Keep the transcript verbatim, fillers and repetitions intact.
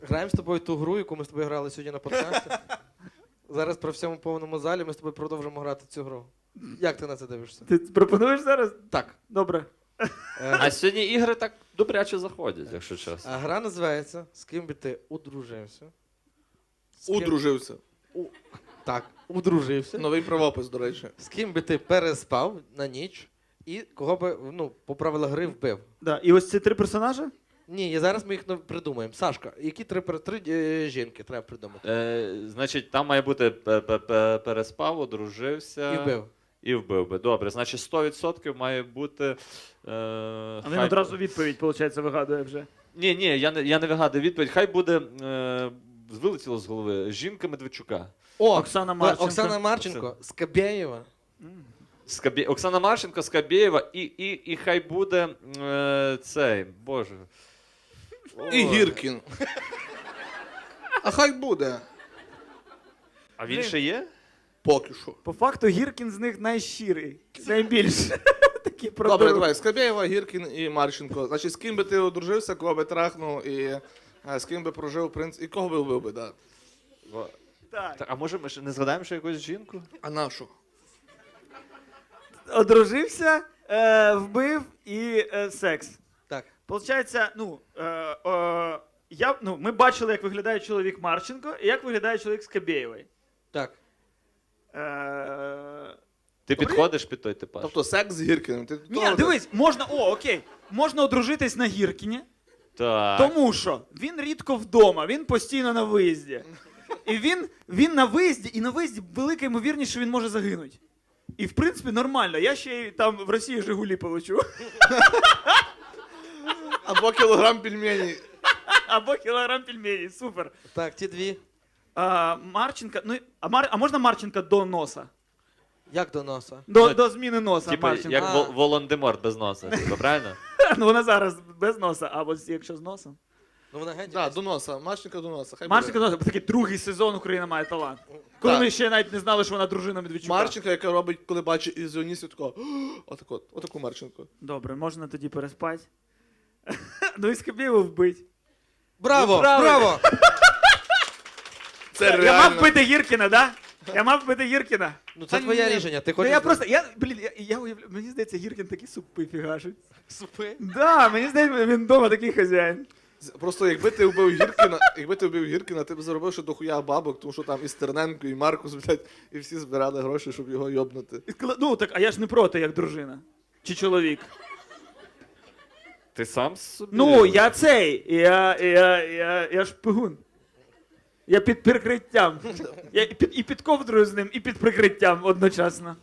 Граємо з тобою ту гру, яку ми з тобою грали сьогодні на подкасті. Зараз при всьому повному залі ми з тобою продовжимо грати цю гру. Як ти на це дивишся? Ти пропонуєш зараз? Так. Добре. Е, А сьогодні ігри так добряче заходять, якщо чесно. А гра називається «З ким би ти одружився?» З ким- Удружився. У... Так, одружився. Новий правопис, до речі. З ким би ти переспав на ніч і кого би, ну, по правилах гри вбив? Да. І ось ці три персонажі? Ні, і зараз ми їх ну, придумаємо. Сашка, які три, пер- три е, жінки треба придумати? Е, значить, там має бути пе- пе- пе- переспав, одружився. І вбив. І вбив би. Добре, значить сто відсотків має бути. Е, А він хай- одразу відповідь, виходить, вигадує вже. Ні, ні, я не, я не вигадую відповідь. Хай буде. Е, вилетіло з голови. Жінка Медведчука. О, Оксана Ма- Марченко. Оксана Марченко, Скабєєва. Скабє... Оксана Марченко, Скабєєва і, і, і хай буде е, цей. Боже. І Ой. Гіркін. А хай буде. А він ще є? Поки що. По факту Гіркін з них найщирий. Найбільше. Такі Добре, продукти. давай. Скабєєва, Гіркін і Марченко. Значить, з ким би ти одружився, кого би трахнув і е, з ким би прожив принц. І кого би вбив би, да. Так. Так, а може ми ще не згадаємо ще якусь жінку? А нашу? Одружився, е, вбив і е, секс. Так. Получається, ну, е, е, я, ну, ми бачили, як виглядає чоловік Марченко і як виглядає чоловік Скабєєвої. Так. Е, Ти Добре. підходиш під той типаж? Тобто секс з Гіркіним. Ти Ні, того- дивись, можна, о, окей, можна одружитись на Гіркіні, Так. тому що він рідко вдома, він постійно на виїзді. І він, він на виїзді, і на виїзді велика ймовірність, що він може загинути. І в принципі нормально, я ще й там в Росії Жигулі получу. Або кілограм пельменей. Або кілограм пельменей, супер. Так, ті дві. А, Марченка, ну, а, Мар, а можна Марченка до носа? Як до носа? До, Ну, до зміни носа Типа, Марченка. як А. Вол- Волан-де-Морт без носа, типу, правильно? Ну вона зараз без носа, а от якщо з носом. Ну вона геть. Да, до носа. Марченко до носа. Хай Марченка буде. до носа, такий другий сезон Україна має талант. Коли Так. ми ще навіть не знали, що вона дружина Медведчука. Марченко, яка робить, коли бачить ілюзіоністів, такого. Отак от. Отаку Марченко. Добре, можна тоді переспати. Ну і Скабєєву вбить. Браво! Ну, правильно. Браво! Це Я мав реально. вбити Гіркіна, да? Я мав вбити Гіркіна. Ну це Та твоє ні. рішення. Ти Ну, хочеш. я просто, я, блін, я, я уявляю, мені здається, Гіркін такі супи фігашить. Супи. Да, мені здається, він вдома такий хазяїн. З- Просто якби ти вбив Гіркіна, якби ти вбив Гіркіна, ти б заробив ще дохуя бабок, тому що там і Стерненко, і Маркус, блядь, і всі збирали гроші, щоб його йобнути. І сказала, ну так, а я ж не проти, як дружина. Чи чоловік. Ти сам собі? Ну, я цей, я, я, я, я шпигун. Я під прикриттям. Я і під, і під ковдрою з ним, і під прикриттям одночасно.